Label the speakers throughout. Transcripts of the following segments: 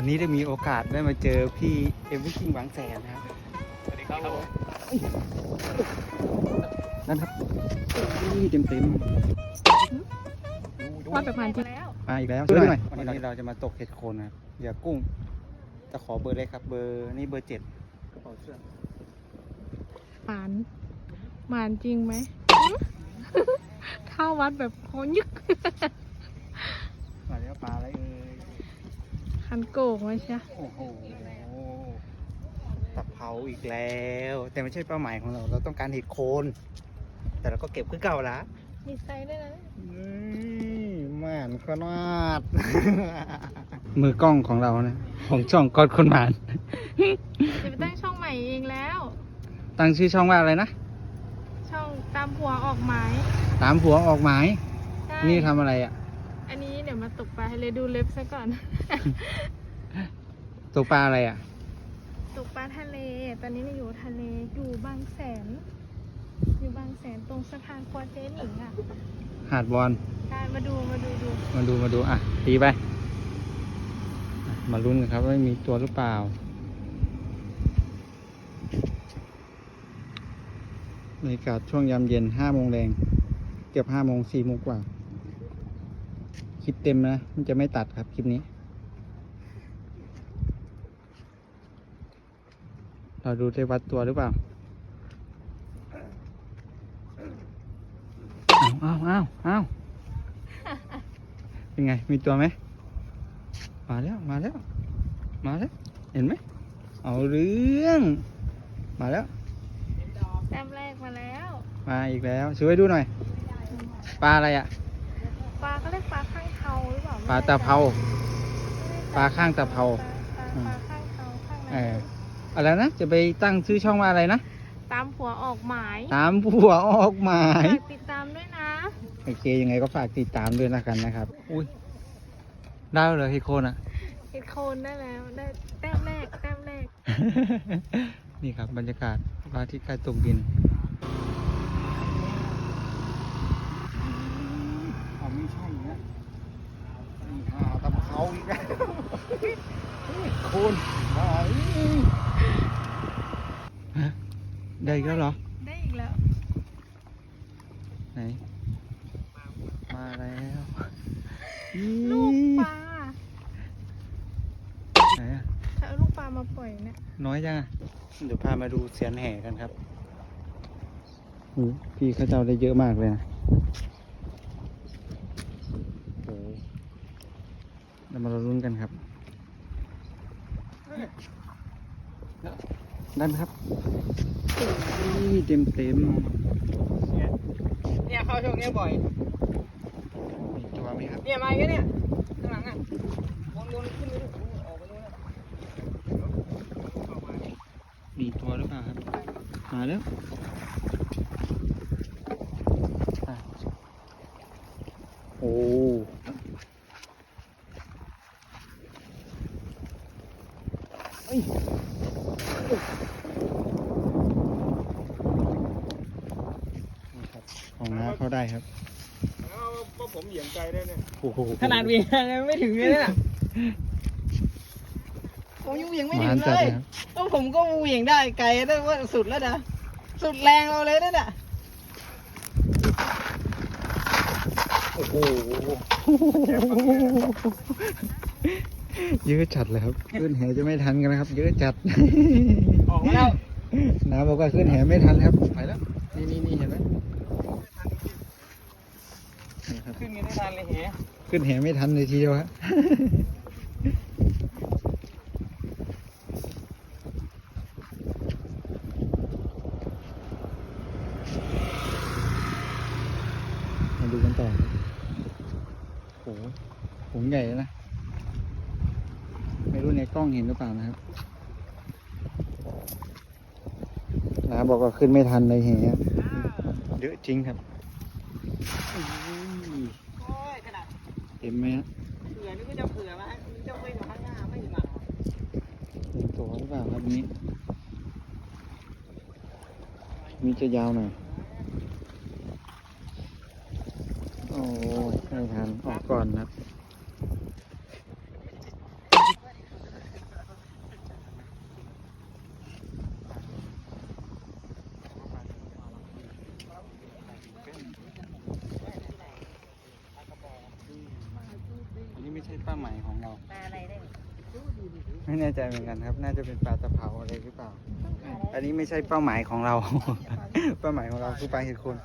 Speaker 1: นี้ได้มีโอกาสได้มาเจอพี่เอเวอร์คิงบางแสนนะครับ
Speaker 2: สวัสดีครับผม
Speaker 1: นั่นครับเต็ม
Speaker 3: ว่าแบบมันจริง
Speaker 1: มาอีกแล้วช่วยหน่อยวันนี้เราจะมาตกเห็ดโคนนะครับเหยื่อกุ้งจะขอเบอร์เลยครับเบอร์นี่เบอร์ 7กระเป๋าเสื้อ
Speaker 3: หมานจริงไหม เข้าวัดแบบโคยึก
Speaker 1: มาแล้วปลาอะไรเอ่ย
Speaker 3: คันโกกไหมใช่
Speaker 1: โอ้โหตะเภาอีกแล้ว แต่ไม่ใช่เป้าหมายของเราเราต้องการเห็ดโคน แต่เราก็เก็บขึ้นเก่าละ
Speaker 3: มีไซส์ด้วยนะ
Speaker 1: แม่นก็นาด มือกล้องของเรานะของช่องกอดคนหมาน
Speaker 3: จะไปตั้งช่องใหม่เองแล้ว
Speaker 1: ตั้งชื่อช่องว่าอะไรนะ
Speaker 3: ช่องตามผัวออกหมาย
Speaker 1: ตามผัวออกหมาย
Speaker 3: ใช่
Speaker 1: นี่ทำอะไรอ่ะ
Speaker 3: อันนี้เดี๋ยวมาตกปลาให้เลยดูเล็บซะก่อน
Speaker 1: ตกปลาอะไรอ่ะ
Speaker 3: ตกปลาทะเล ตอนนี้เราอยู่ทะเล อยู่บางแสน อยู่บางแสนตรงสะพานควอเจหนิงอ่ะ
Speaker 1: หาดบอล
Speaker 3: ใช่มาดู
Speaker 1: มาดูอ่ะตีไปอ่ะมาลุ้นกันครับว่ามีตัวหรือเปล่าบรรยากาศช่วงยามเย็น5 โมงแรงเกือบ5 โมง4 โมงกว่าคลิปเต็มนะมันจะไม่ตัดครับคลิปนี้เราดูได้วัดตัวหรือเปล่าอ้าวเป็นไงมีตัวไหมมาแล้วเห็นไหมเอาเรื่องมาแล้ว
Speaker 3: แต้มแรกมาแล้ว
Speaker 1: มาอีกแล้วช่วยดูหน่อยปลาอะไรอ่ะ
Speaker 3: ปลาเขาเรียกปลาข้างเทาหรือเปล่า
Speaker 1: ปลาตะเภา ปลาข้างตะเภา
Speaker 3: ปลาข้างเทาข้าง
Speaker 1: เอ
Speaker 3: นั้น
Speaker 1: ออะไรนะจะไปตั้งชื่อช่องว่าอะไรนะ
Speaker 3: ตามผัวออกหมาย
Speaker 1: ตามผัวออกหมาย
Speaker 3: ฝากติดตามด้วยนะ
Speaker 1: โอเคยังไงก็ฝากติดตามด้วยนะกันนะครับอุ้ยได้เลยให้โคนอ่ะ
Speaker 3: เห็ดโคนได้แล้วได้แต้มแรก
Speaker 1: นี่ครับบรรยากาศพระอาทิตย์ใกล้ตกดินเอาไม่ใช่นะนี่หาตะเภาอีกแล้วโคนฮะได้อีกแล้วเหรอ
Speaker 3: ได้อีกแล้ว
Speaker 1: ไหน มาแล้ว
Speaker 3: ลูกปลา
Speaker 1: ไหนอะ
Speaker 3: ถ้าเอาลูกปลามาปล่อยเนี่ย
Speaker 1: น้อยจังอะเดี๋ยวพามาดูเสียนแห่กันครับพี่เขาเจ้าได้เยอะมากเลยนะโอ้เรามาลุ้นกันครับได้ไหมครับเต็ม
Speaker 2: เนี่ยเข้าช่วงนี้บ่อย
Speaker 1: มีตัวไหมครับ
Speaker 2: เนี่ยมาอีกแล้วเนี่ยข้างหลังอ่ะวนขึ้นไปออกไปนู่นนะ
Speaker 1: มีตัวหรือเปล่าครับมาแล้วอ่ะโอ้เอ้ยนี่ครับของน้าเขาได้ครับ
Speaker 2: ว่าผมเหยียบใจได้เนี่ย
Speaker 1: โอ้โห
Speaker 2: ขนาดวียังไม่ถึงเลยน่ะผมยังเหวี่ยงไม่ถึ
Speaker 1: มาง
Speaker 2: เล
Speaker 1: จัด
Speaker 2: ย
Speaker 1: เลยครับ
Speaker 2: ก็ผมก็เหวี่ยงได้ไกลได้ว่าสุดแล้วนะสุดแรงเราเลยนั่นน่ะ
Speaker 1: โอ้โหเยอะจัดเลยครับขึ้นแหจะไม่ทันกันนะครับ เยอะจัด
Speaker 2: ออกมาแล้ว
Speaker 1: น้าบอกว่าขึ้นแหไม่ทันครับไปแล้วนี่เห็นไหมนี่ครับ
Speaker 2: ขึ้นกันได้ทันเลยแห
Speaker 1: ขึ้นแหไม่ทันเลยทีเดียวฮะมาดูกันต่อโอ้โหผงใหญ่นะไม่รู้ในกล้องเห็นหรือเปล่านะครับน้าบอกว่าขึ้นไม่ทันเลยแหเยอะจริงครับ
Speaker 2: โอ้ยขนาด
Speaker 1: เต็มไหมฮะ
Speaker 2: เผื่อนี่ก็จะเผื่อมาเจ้าไม่อยู่ข้างหน้าไม่มา
Speaker 1: เต็มตัวหรือเปล่าครับนี้มีจะยาวหน่อยโอ้ยไม่ทันออกก่อนครับมายของเรา
Speaker 2: ปลาอะไรได้
Speaker 1: ไม่แน่ใจเหมือนกันครับ น่าจะเป็นปลาตะเภาอะไรหรือเปล่า อันนี้ไม่ใช่เป้าหมายของเรา เป้าหมายของเราคือปลาเห็ดโคน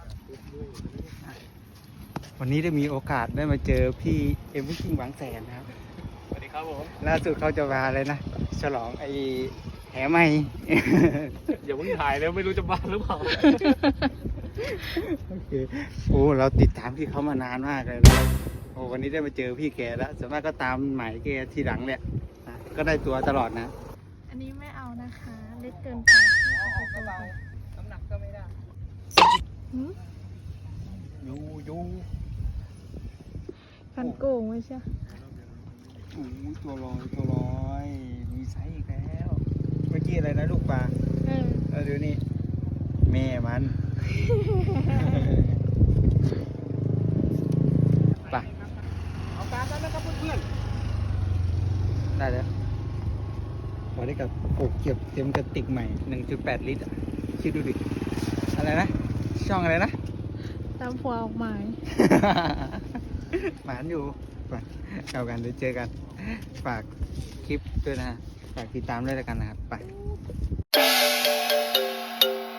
Speaker 1: วันนี้ได้มีโอกาสได้มาเจอพี่เอ็มวิชิงหวังแสนนะครับ
Speaker 2: สวัสดีครับผม
Speaker 1: ล่าสุดเขาจะมาอะไรนะ ฉลองไอ้แหใหม่
Speaker 2: อย่าเพิ่งถ่ายเลยไม่รู้จะบ้าหรือเปล่า
Speaker 1: โอเค โอ้ เราติดตามพี่เขามานานมากเลยนะโอ้ วันนี้ได้มาเจอพี่แกแล้วส่วนมากก็ตามหมายแกทีหลังเนี่ยนะก็ได้ตัวตลอดนะ
Speaker 3: อันนี้ไม่เอานะคะ เล็กเกินไป
Speaker 2: น้ำหนักก็ไม่ได้
Speaker 3: หืม
Speaker 1: ยู
Speaker 3: พันโกงไม่ใช่
Speaker 1: โอ้ตัวลอยมีไซส์อีกแล้ว เมื่อกี้อะไรนะลูกปลา
Speaker 3: เออ
Speaker 1: แล้วเดี๋ยวนี้แม่มัน ไป
Speaker 2: เอาปลาแล้วนะครับเพื่อน
Speaker 1: ได้แล้วพอได้กับโอ้เก็บเต็มกระติกใหม่ 1.8 ลิตรอะคิดดูดิ อะไรนะ ช่องอะไรนะ
Speaker 3: ตามผัวออกหมาย
Speaker 1: หมานอยู่ไปเอากันเดี๋ยวเจอกัน ฝากคลิปด้วยนะฮะฝากติดตามด้วยแล้วกันนะครับ ไป